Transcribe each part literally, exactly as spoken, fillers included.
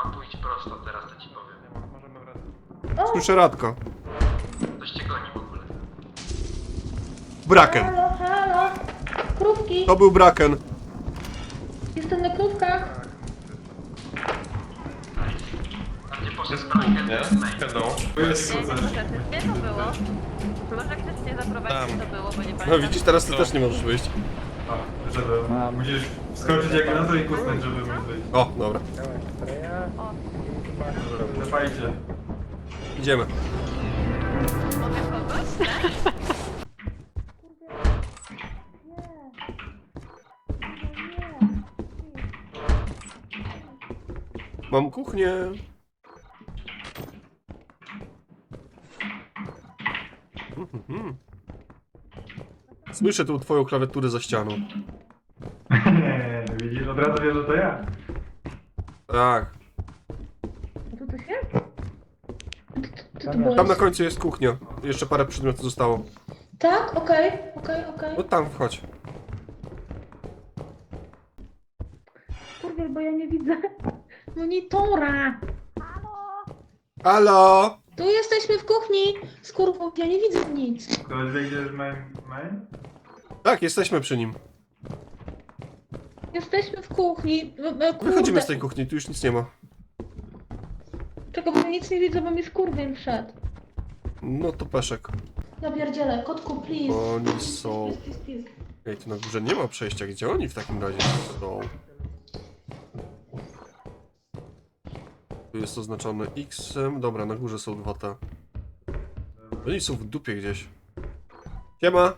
Mam pójść prosto teraz, to ci powiem. Możemy wracać. Słyszę Radka. Ktoś cię goni w ogóle. Braken. Halo, halo! Krówki! To był Braken. Jestem na krówkach! Tam gdzie poszedł Braken, to jest main. Hello. Nie, gdzie to było? Może ktoś mnie zaprowadzić, Tam. gdzie to było, bo nie No pamiętam. widzisz, teraz ty też nie możesz wyjść. A, wyszedłem. Musisz wskoczyć jak na to i kusnąć, żeby móc wyjść. O, dobra. Zapajcie. Idziemy. Mogę kogoś? Mam kuchnię. Mhm. Słyszę tu twoją klawiaturę za ścianą. Nie, widzisz, od razu wiesz, że to ja. Tak. A tu coś jest? Co to było? Tam na końcu jest kuchnia. Jeszcze parę przedmiotów zostało. Tak? Okej, okej, okej. No tam wchodź. Kurde, bo ja nie widzę monitora. Halo! Tu jesteśmy w kuchni. Skurwo, ja nie widzę nic. Ktoś wie, gdzie jest main? main? Tak, jesteśmy przy nim. Jesteśmy w kuchni. E, e, kurde. Wychodzimy z tej kuchni, tu już nic nie ma. Czego, bo ja nic nie widzę, bo mi skurwiel wszedł. No to peszek. Ja pierdzielę, kotku, please. Oni są... Please, please, please. Ej, tu na górze nie ma przejścia. Gdzie oni w takim razie są? Tu jest oznaczone X-em. Dobra, na górze są dwa T. Oni są w dupie gdzieś. Siema!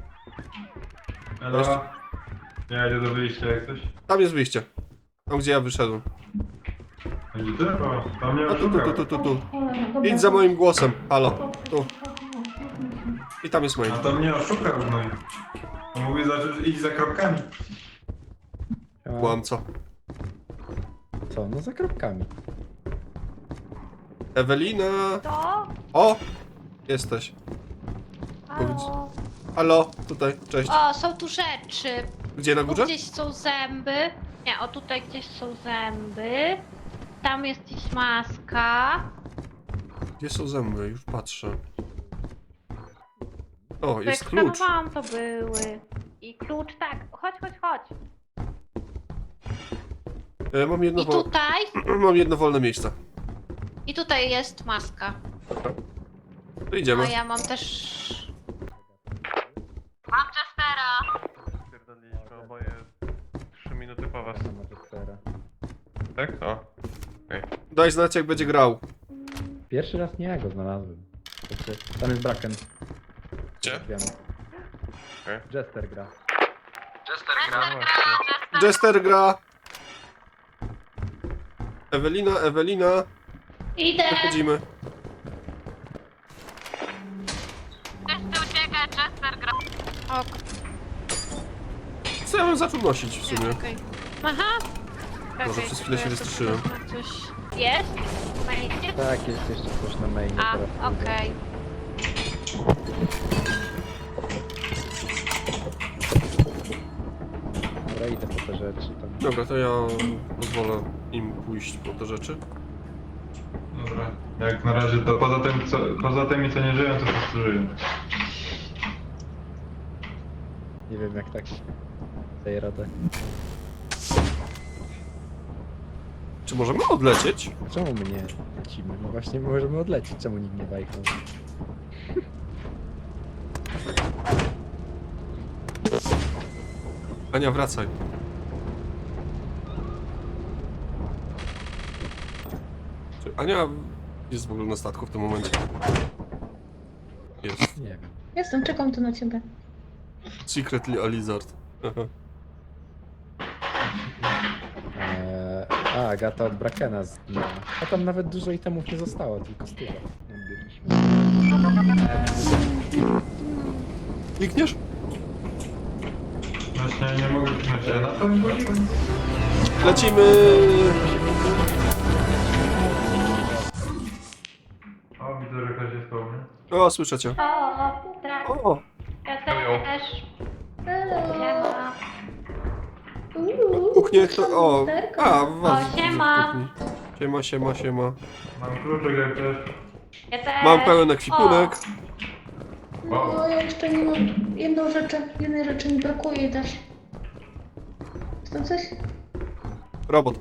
Elo. Ja idę do wyjścia jak coś. Tam jest wyjście. Tam gdzie ja wyszedłem. Będzie ty? O, tam nie A tu, tu, oszukał. tu, tu, tu, tu. Cholera, dobra. Idź za moim głosem. Halo. Tu. I tam jest main. A to mnie oszukał, no i... On mówi, zacząć iść za kropkami. Kłamco. Co? No za kropkami. Ewelina! To? O! Jesteś. Powiedz- Halo? Halo, tutaj, cześć. O, są tu rzeczy. Gdzie na Tu górze? gdzieś są zęby. Nie, o tutaj gdzieś są zęby. Tam jest gdzieś maska. Gdzie są zęby? Już patrzę. O, To jest jak klucz. skanowałam, to były. I klucz, tak. Chodź, chodź, chodź. E, mam jedno, I wol... tutaj, mam jedno wolne miejsce. i tutaj jest maska. To idziemy. A ja mam też... Mam Jestera. Pierdoliliśmy oboje trzy minuty po was. Nie ma Jestera. Tak? O. Daj znać jak będzie grał. Pierwszy raz nie ja go znalazłem. Znaczy, tam jest Braken. Gdzie? Wiemy. Okej. Jester gra. Jester gra. No właśnie. Jester gra. Ewelina, Ewelina. Idę. Przechodzimy. Wszyscy uciekać, Jester gra. Ok. Co ja bym zaczął nosić w sumie? Okej. Aha. Może Okej, przez chwilę się to ja wystraszyłem. sobie Coś jest? Mainie? Tak, jest jeszcze coś na mainie A, teraz. pójdę. okej. Dobra, idę po te rzeczy tam. Dobra, to ja pozwolę im pójść po te rzeczy. Dobra. Jak na razie to poza tym, co, poza tymi co nie żyją, to po prostu żyją. Nie wiem jak tak daję radę. Czy możemy odlecieć? Czemu my nie lecimy? No właśnie możemy odlecieć, czemu nikt nie bajknął? Ania, wracaj. Czy Ania jest w ogóle na statku w tym momencie? Jest. Nie wiem. Jestem, czekam tu na ciebie. Secretly a lizard. Aha. Eee, a, Agata od Brakena zginęła. A tam nawet dużo itemów nie zostało, tylko styla. Klikniesz? Właśnie nie mogę kliknąć, ja na to nie mogę. Lecimy! O, widzę, że ktoś jest koło mnie. O, słyszę cię. O, tak. O! Ja też. Hello. Siema. Uuu, Kuchnię to... O! lusterko. A, was O, siema. w kuchni. Siema, siema, siema. Mam kluczyk jak też. Ja też. Mam pełen ekwipunek. No, ja jeszcze nie mam... Jedną rzecz, jednej rzeczy mi brakuje też. Jest tam coś? Robot.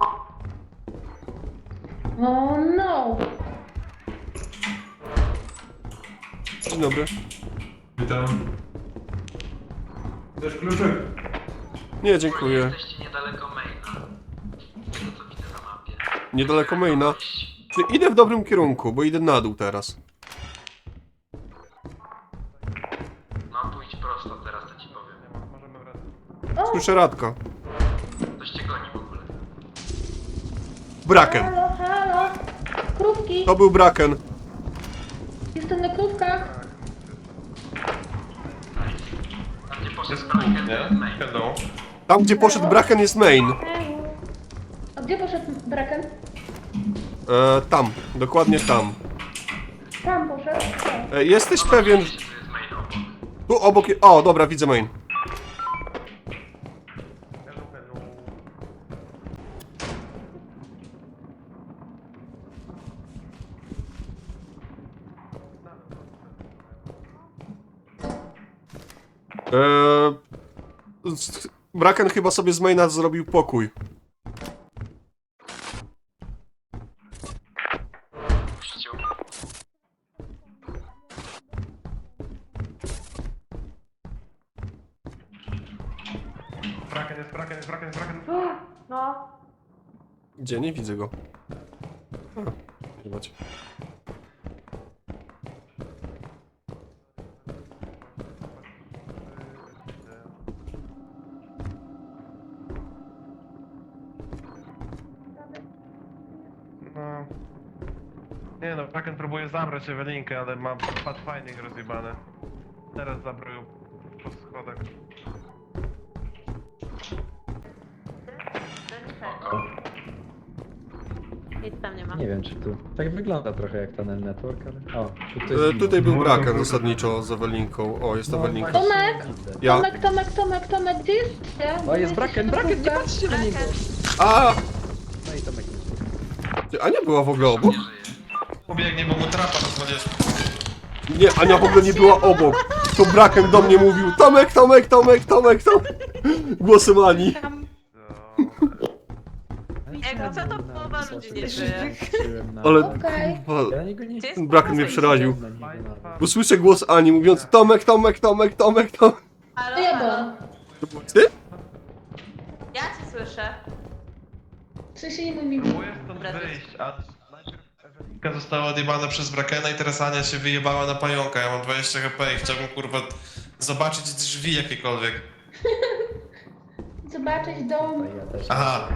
O no! Dzień dobry. Witam. Chcesz kluczyk? Nie, dziękuję. Jesteście niedaleko maina. Z tego co widzę na mapie. Niedaleko maina. Ty, idę w dobrym kierunku, bo idę na dół teraz. No pójdź prosto teraz, to ci powiem. Możemy wracać. O! Słyszę Radka. Ktoś cię goni w ogóle. Braken. Halo, halo! Krówki! To był Braken. Jestem na krówkach! Tam gdzie poszedł Jest Braken, kół, to nie? jest main. Hello. Tam, gdzie poszedł Braken, jest main. A gdzie poszedł Braken? E, tam, dokładnie tam. Tam poszedł. E, jesteś pewien... Oczywiście, tu jest main obok. Tu obok... je- O, dobra, widzę main. Hello, hello. Eee, z- Braken chyba sobie z maina zrobił pokój. Puścił. Braken jest, braken jest, braken jest, braken. No. Gdzie? Nie widzę go. A, zobacz. No. Nie no, braken próbuje zabrać Ewelinkę, ale ma Pathfinding rozjebane. Teraz zabrał ją po schodach. Nic tam nie ma. Nie wiem czy tu. Tak wygląda trochę jak Tunnel Network, ale... O, tu E, tutaj był No, Braken no, zasadniczo z Ewelinką. O, jest No, Ewelinka. właśnie Tomek! widzę. Ja. Tomek, Tomek, Tomek, Tomek, gdzie jesteście? O, jest Braken, Braken, nie patrzcie na niego! A! No i Tomek nie żyje. Ty, Ania była w ogóle obok? Nie żyje. Pobiegnie, bo mu trapa rozwalisz. Nie, Ania w ogóle nie była obok. To Braken do mnie mówił Tomek, Tomek, Tomek, Tomek, Tomek. Głosem Ani. Tam. Ale co to na- połowa na- ludzi na- nie żyje? patrzyłem na- Ale... Okej. kurwa, Ja na niego nie... Gdzie jest Ten Braken mnie połowa przeraził. Na niego nawet. Bo słyszę głos Ani mówiąc Tomek, Tomek, Tomek, Tomek, Tomek. Halo, To ja halo. byłam. To byłeś ty? Ja cię słyszę. W sensie nie mój mi. Próbuję stąd wyjść, a najpierw Ewelinka została odjebana przez Brakena i teraz Ania się wyjebała na pająka. Ja mam dwadzieścia H P i chciałbym kurwa zobaczyć drzwi jakiekolwiek. Zobaczyć dom. Ja też. Aha,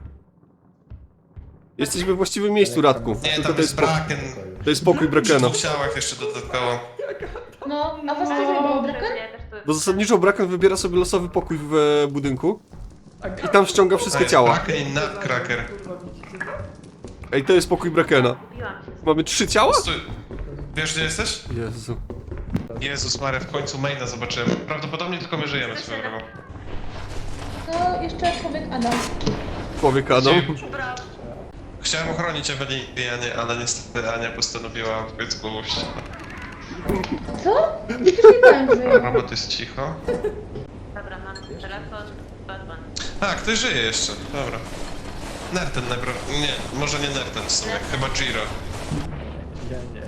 Jesteś we właściwym miejscu, Radku. nie, Tylko tam to jest jest, po... Braken. to jest pokój Przy Brakena. dwóch ciałach jeszcze dodatkowo. No, a was też wyjebało Braken? Bo zasadniczo Braken wybiera sobie losowy pokój w e, budynku i tam ściąga wszystkie ciała. Braken i Nutcracker. Ej, to jest pokój Brakena. Mamy trzy ciała? Stój. Wiesz gdzie jesteś? Jezu. Jezus Maria, w końcu maina zobaczyłem. Prawdopodobnie tylko my żyjemy swoją drogą. To jeszcze człowiek Adam. Człowiek Adam. Chciałem ochronić Ewelinkę, Anię, ale niestety Ania postanowiła w końcu pójść. Co? Nie przyjmowałem, że ja. Robot jest cicho. Dobra, mam telefon. Batman. A, ktoś żyje jeszcze, dobra. Nerten najprawdopodobniej. Nie, może nie Nerten w sumie, chyba Giro. Ja nie.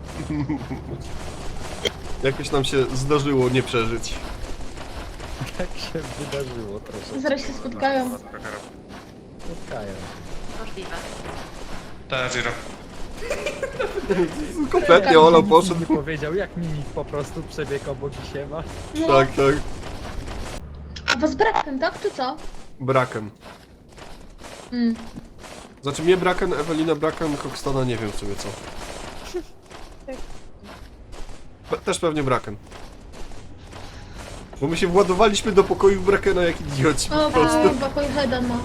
Jakoś nam się zdarzyło nie przeżyć. Tak się wydarzyło troszeczkę. Zaraz się spotkają. Spotkają. Możliwe. Tak, Giro. Kompletnie Olo poszedł. Nie powiedział, jak mimik po prostu przebiegł obok i się ma. No. Tak, tak. A was Braken, tak? Czy co? Braken. Mm. Znaczy mnie Braken, Ewelina Braken, Kokstona nie wiem w sumie co. Pe- też pewnie Braken. Bo my się władowaliśmy do pokoju Brakena jak idioci po O, prostu. kurwa, pojecheda ma.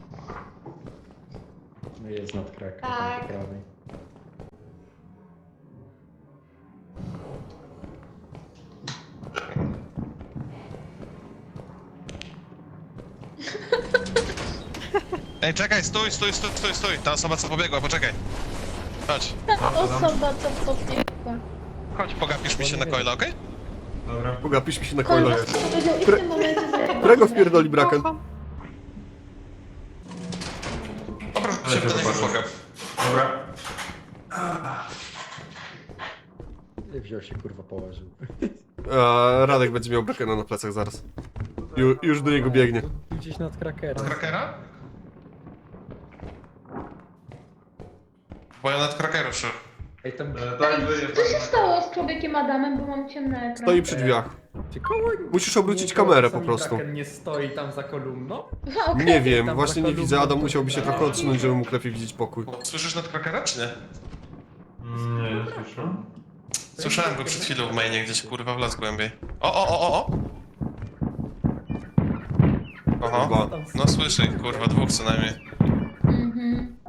No jest nadkrak. Tak. Po prawej. Ej, czekaj, stój, stój, stój, stój, stój. Ta osoba co pobiegła, poczekaj. Chodź, Ta osoba, co pobiegła. chodź, pogapisz mi się na coila, okej? Dobra. Pogapisz mi się na Kolega coilach. powiedział i w tym momencie zajebał. Którego wpierdoli Braken? Dobra, Ale się się do niego zobaczę. pogap. Dobra. Wziął się kurwa położył. A, Radek będzie miał Brakena na plecach zaraz. Ju, już do niego biegnie. Gdzieś nad krakerem. Krakera? Bo ja nad krakeru szedł. Ej, tam E, tak, żyje. Co się stało z człowiekiem Adamem, bo mam ciemny ekran? Stoi przy drzwiach. Czy koło Musisz obrócić niego kamerę po sami prostu. Braken nie stoi tam za kolumną? Aha, okej. Nie wiem, Tam właśnie nie za widzę. kolumną Adam to musiałby się chyba- trochę odsunąć, żeby mógł lepiej widzieć pokój. Słyszysz nad krakera, czy nie? Mm, Nie, nie słyszę. Słyszałem go przed chwilą w mainie, gdzieś kurwa w las głębiej. O, o, o, o, o! Oho, Chyba. no słyszę ich, kurwa, dwóch co najmniej. Mhm.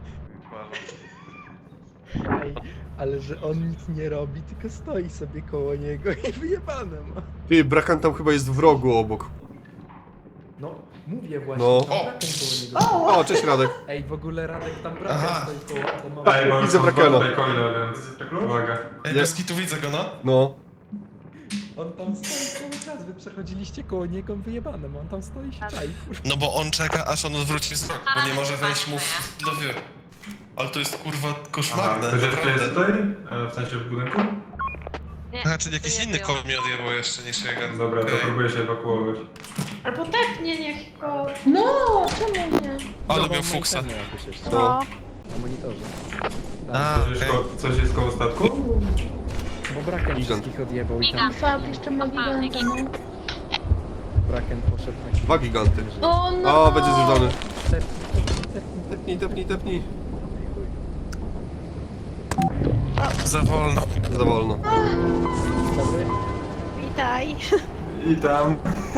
Ej, ale że on nic nie robi, tylko stoi sobie koło niego i wyjebane ma. Ty, Braken tam chyba jest w rogu obok. No, mówię właśnie, No. tam O! Braken koło niego. O, cześć Radek. Ej, w ogóle Radek tam Aha. Braken stoi koło, to ma... Ej, bo Widzę są dwa Brakena. tutaj coile, więc uwaga. Ej, bez kitu widzę go, no. No. On tam stoi cały czas, wy przechodziliście koło niego, wyjebane ma, on tam stoi i się czai. No bo on czeka, aż on odwróci wzrok, bo nie może wejść mu w dlowie. Ale to jest kurwa Aha, koszmarne, ktoś jeszcze jest naprawdę. tutaj? E, W sensie w budynku? Nie, Znaczy jakiś tu nie inny było. koło mnie odjebał jeszcze niż jego. Dobra, to Okej. próbuję się ewakuować. Albo tak, nie, niech go... No, czemu nie? Ale No, miał bo fuksa. monitorze jakoś jeszcze. No. Na monitorze. A, Coś jest, okej. ko- coś jest koło statku? Bo Braken Gigant. wszystkich odjebał i tam Fab jeszcze ma giganta, no. Braken poszedł na Dwa giganty. O, no. O, będzie zjeżdżony. Tepnij, tepnij, tepnij. Tepnij, tepnij, tepnij. Za wolno. Za wolno. Dobry. Witaj. I tam.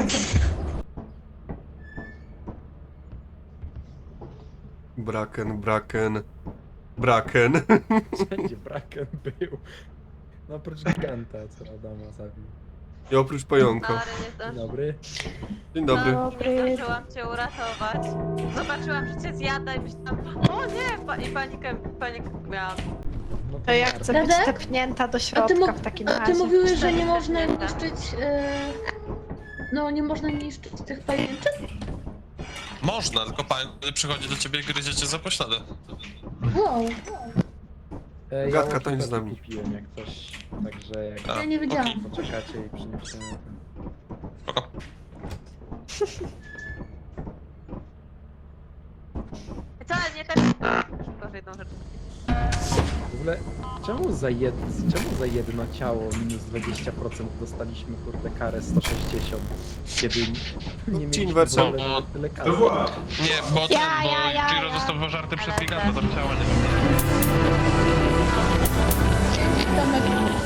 Braken, Braken. Braken. Wszędzie Braken był. No oprócz giganta, co Adama zabił. I oprócz pająka. Ale nie Dzień zdążyłam. dobry. Dzień dobry. Dobry. Zdążyłam cię uratować. Zobaczyłam, że cię zjada i myślałam, o nie! Pa- I panikę, panikę miałam. No To ja bardzo. chcę być Radek? stepnięta do A ty, środka mu- w takim a razie. ty mówiłeś, że nie Cztery można stepnięte. niszczyć... E... No, nie można niszczyć tych pajęczyn? Można, tylko pan przychodzi do ciebie i gryzie cię za pośladę. Wow, E, Gadka ja tańcz z łokietkę nami. kupiłem jak coś, także jak A, ja nie wiedziałam. okej. poczekacie i przyniosę... Spoko. Wcale nie tak. Gorzej jedną rzecz. W ogóle, czemu za, jed... czemu za jedno ciało minus dwadzieścia procent dostaliśmy kurde karę sto sześćdziesiąt, kiedy nie mieliśmy inwersja. w ogóle nawet tyle kasy? To była. Nie, bo ten, Ja, bo ja, ja, Giro ja. został pożarty przez Ale giganta, tak. tam ciała nie Tomek.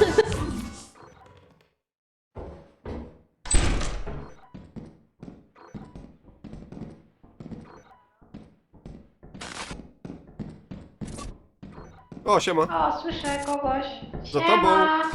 O, siema. O, słyszę kogoś. Za Siema. tobą.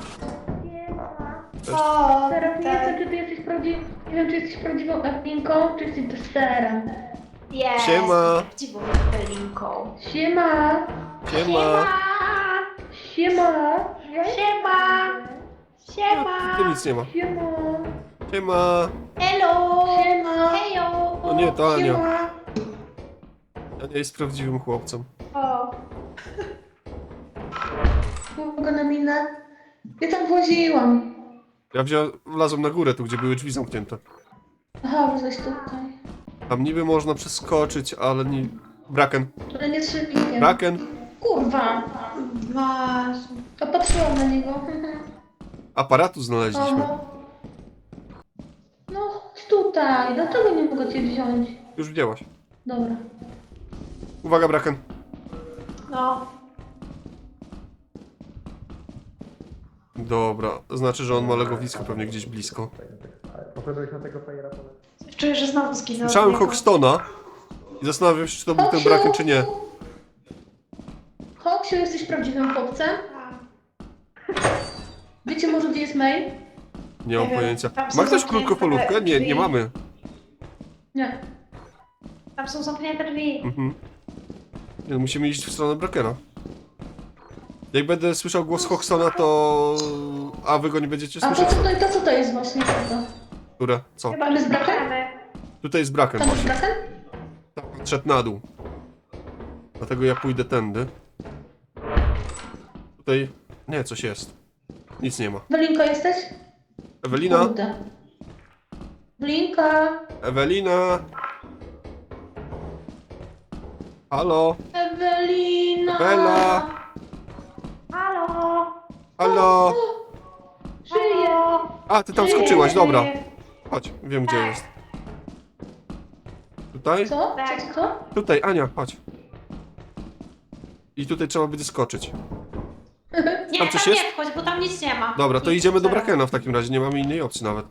O, Teraz nie tak. wiem, czy ty jesteś prawdziwą... Nie wiem, czy jesteś prawdziwą Ewelinką, czy jesteś testerem. Jest. Siema. Prawdziwą Ewelinką. Siema! Siema. Siema! Siema. Siema. Tu nic nie ma. Siema! Siema. Hello. Siema! Hejo. No nie, to Ania. Siema! Ania jest prawdziwym chłopcem. O. Mogę na minę? Ja tam właziłam. Ja wziąłem, wlazłem na górę, tu gdzie były drzwi zamknięte. Aha, wlazłeś tutaj. Tam niby można przeskoczyć, ale nie... Braken. Ale nie trzyplikiem. Braken. Kurwa! Was. To patrzyłam na niego. Aparatu znaleźliśmy. Oho. No, tutaj. Dlaczego nie mogę cię wziąć? Już widziałaś. Dobra. Uwaga, Braken. No. Dobra, znaczy, że on ma legowisko pewnie gdzieś blisko. Poszedłeś na tego fajera Czuję, że znowu zginąłem. Słyszałem Hoxtona i zastanawiam się, czy to był ten Braken, czy nie. Hoksiu, jesteś prawdziwym chłopcem? Wiecie może, gdzie jest May? Nie mam Nie wiem, pojęcia. tam są Ma ktoś zamknięte krótkopolówkę? Nie, nie drzwi. mamy. Nie. Tam są zamknięte drzwi. Mhm. Nie, no, musimy iść w stronę Brakena. Jak będę słyszał głos Hoxtona, to... A wy go nie będziecie A to słyszeć? co to, to, co to jest właśnie? To? Które? Co? Chyba Tam jest braken? możemy. Tutaj jest Braken Tam jest właśnie. braken? Tam szedł na dół. Dlatego ja pójdę tędy. Tutaj... Nie, coś jest. Nic nie ma. Welinko jesteś? Ewelina? Kurde. Blinka. Ewelina! Halo? Ewelina. Bela! Halo! Halo! Żyje. A, ty tam skoczyłaś, dobra. Chodź, wiem gdzie jest. Tutaj? Co? Co, co, co? Tutaj, Ania, chodź. I tutaj trzeba będzie skoczyć. Nie, Tam tam, coś nie jest? wchodź, bo tam nic nie ma. Dobra, to Nic, idziemy do zero. Brakena w takim razie, nie mamy innej opcji nawet.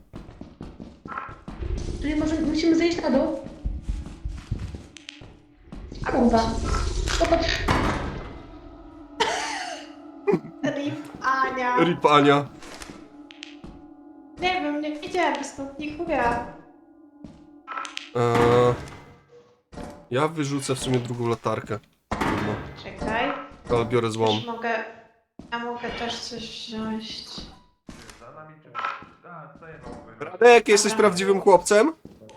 Czyli może musimy zejść na dół? Kurwa. Popatrz. Rip, Ania. Rip Ania. Nie wiem, nie widziałem stąd nikogo. Eee, ja wyrzucę w sumie drugą latarkę. No, Czekaj. ale biorę złą. Też mogę... Ja mogę też coś wziąć. Za nami czy... A, co ja mam? Radek, jesteś prawdziwym chłopcem?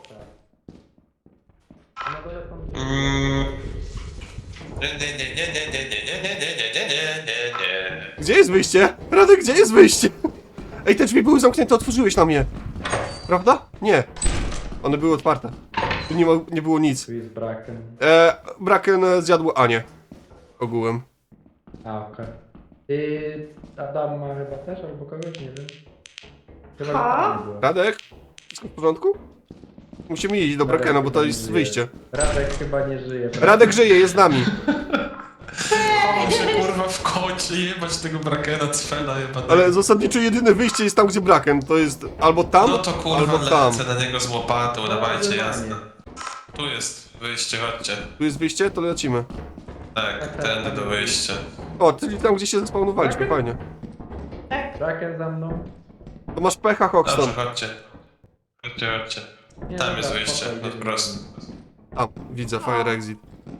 Mm. Nie, nie, nie, nie, nie, nie, nie, nie, nie, nie, nie, nie, nie, nie. Gdzie jest wyjście? Radek, gdzie jest wyjście? Ej, te drzwi były zamknięte, otworzyłeś na mnie. Prawda? Nie. One były otwarte. Tu nie, ma, nie było nic. Tu jest braken. Eee, Braken e, zjadł Anię. Ogółem. A, okej. Yy, Adam ma chyba też, albo kogoś, nie wiem. Chyba Ha? że nie było. Radek? Wszystko w porządku? Musimy iść do Brakena, bo to jest wyjście. Radek chyba nie żyje. prawda? Radek żyje, jest z nami. Muszę kurwa w końcu jebać tego Brakena, cfela jebać. Ale zasadniczo jedyne wyjście jest tam, gdzie Braken. To jest albo tam, No to kurwa albo tam. lecę na niego z łopatą, dawajcie, Zdecydowanie. jasne. Tu jest wyjście, chodźcie. Tu jest wyjście, to lecimy. Tak, tędy do wyjścia. O, czyli tam, gdzie się zespawnowaliśmy, fajnie. Braken za mną. To masz pecha, Hoxton. Dobrze, chodźcie. Chodźcie, chodźcie. Nie, Tam dobra, jest wyjście, spokojnie. no prosto. A, widzę, fire exit.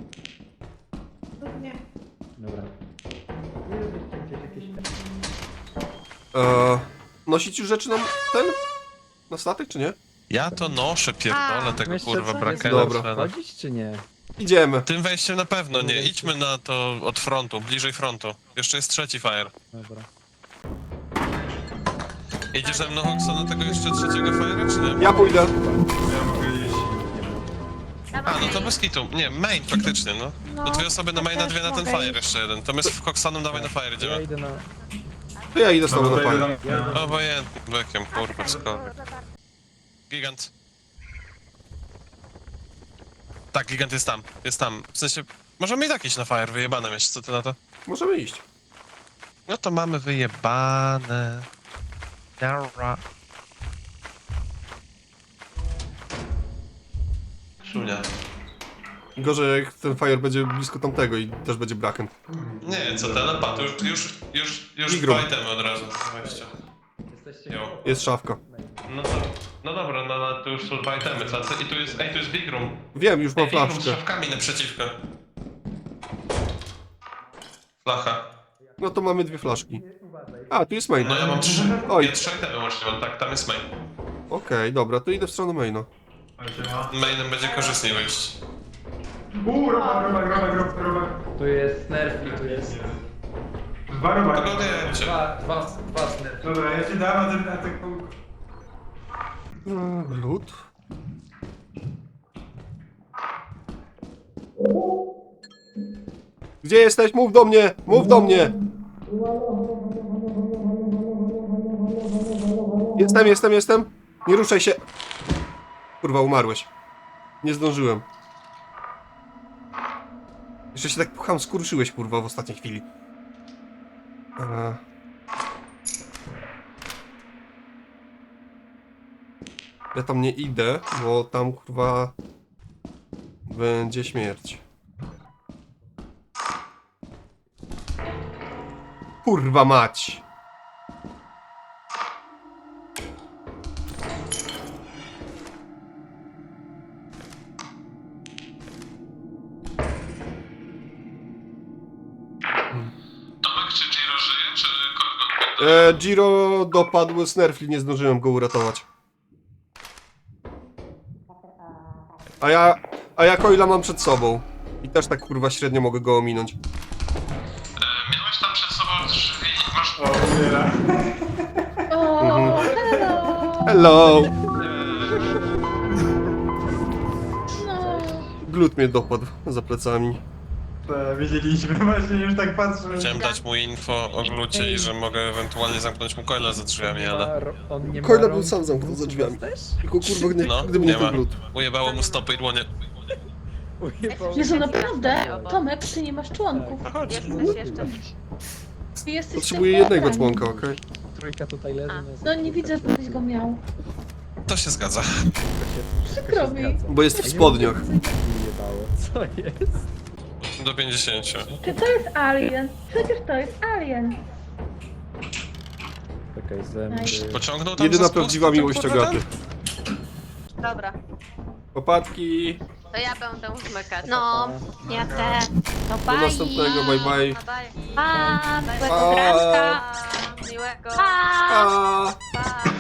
Nie. Dobra. Nie robicie gdzieś jakieś... Eee, nosić już rzeczy na ten? Na statek, czy nie? Ja to noszę, pierdolę tego Jeszcze kurwa co? Brakena. Dobra. cfela. Chodzić czy nie? Idziemy. Tym wejściem na pewno nie, idźmy na to od frontu, bliżej frontu. Jeszcze jest trzeci fire. Dobra. Idziesz ze mną, Hoxton, na tego jeszcze trzeciego fire'a, czy nie? Ja pójdę. Ja mogę iść. A, no to bez kitu. Nie, main faktycznie, no. No, To dwie osoby na ja maina, też dwie na ten mogę fire iść. jeszcze jeden. To my z Hoxtonem dawaj na fire Ja idziemy. idę na... To ja idę z No tobą to na idę fire. do mnie. Obojętnym bekiem, kurwa, cokolwiek. Gigant. Tak, gigant jest tam, jest tam. W sensie, możemy i tak iść na fire, wyjebane mieć, co ty na to? Możemy iść. No to mamy wyjebane. Dobra. Szunia. Gorzej jak ten fire będzie blisko tamtego i też będzie Braken. Nie, co telepatu, już, już, już, już Igru. fajtemy od razu. Weźcie. Jesteście... Jo. Jest szafka. No to, no dobra, no, no to już są dwa itemy, co? I tu jest, ej, tu jest big room. Wiem, już mam Ej, big room z flaszkę. szafkami naprzeciwko. Flacha. No to mamy dwie flaszki. A, tu jest main. No ja mam trzy. Oj. Ja trzy itemy łącznie mam, tak, tam jest main. Okej, dobra, to idę w stronę maina. Mainem będzie korzystniej wyjść. Uuu, robak, robak, robak, robak, robak. Tu jest nerf i tu jest... Dwa robaki. Dogadujecie. Dwa, dwa, dwa nerf. Dobra, ja ci dam, a ty na taką... Eee, Lód. Gdzie jesteś? Mów do mnie! Mów do mnie! Jestem, jestem, jestem. Nie ruszaj się. Kurwa, umarłeś. Nie zdążyłem. Jeszcze się tak pucham, skurczyłeś, kurwa, w ostatniej chwili. Eee. Ja tam nie idę, bo tam, kurwa, będzie śmierć. Kurwa mać! E, Giro dopadł Snerfli, nie zdążyłem go uratować. A ja, a ja Coila mam przed sobą. I też tak kurwa średnio mogę go ominąć. E, miałeś tam przed sobą drzwi, masz... O, umiera. O, Mhm. hello! Hello! No. Glut mnie dopadł za plecami. To widzieliśmy, właśnie już tak patrzę. Chciałem dać mu info o glucie i że mogę ewentualnie zamknąć mu coila za drzwiami, Nie ale... ma ro- on nie ma Coila był rąk, sam zamknął za drzwiami. też? Tylko kurwa, gdy, No, gdyby nie nie ma. ten glut. Ujebało mu stopy i dłonie. Ujebał. Jezu, naprawdę? Tomek, ty nie masz członków. Jesteś jeszcze. Ty jesteś Potrzebuję tylko jednego ten. członka, okej? Trójka tutaj leży. A. jest No nie trójka widzę, tutaj. żebyś go miał. To się zgadza. Wszystko się- wszystko Przykro się mi. zgadza. Bo jest w spodniach. Nie jebało. Co jest? Do pięćdziesięciu. Czy to jest alien? Przecież to jest alien. Czekaj, zęby. Nice. Pociągnął tam Jedyna za spust, prawdziwa ten miłość kurwa Agaty. Dobra, Popatki. to ja będę zmykać. No, ja też. To Do bye. następnego, bye bye. No daj. Pa, Bye. miłego Pa. granka. Pa, miłego. Pa. A. Pa.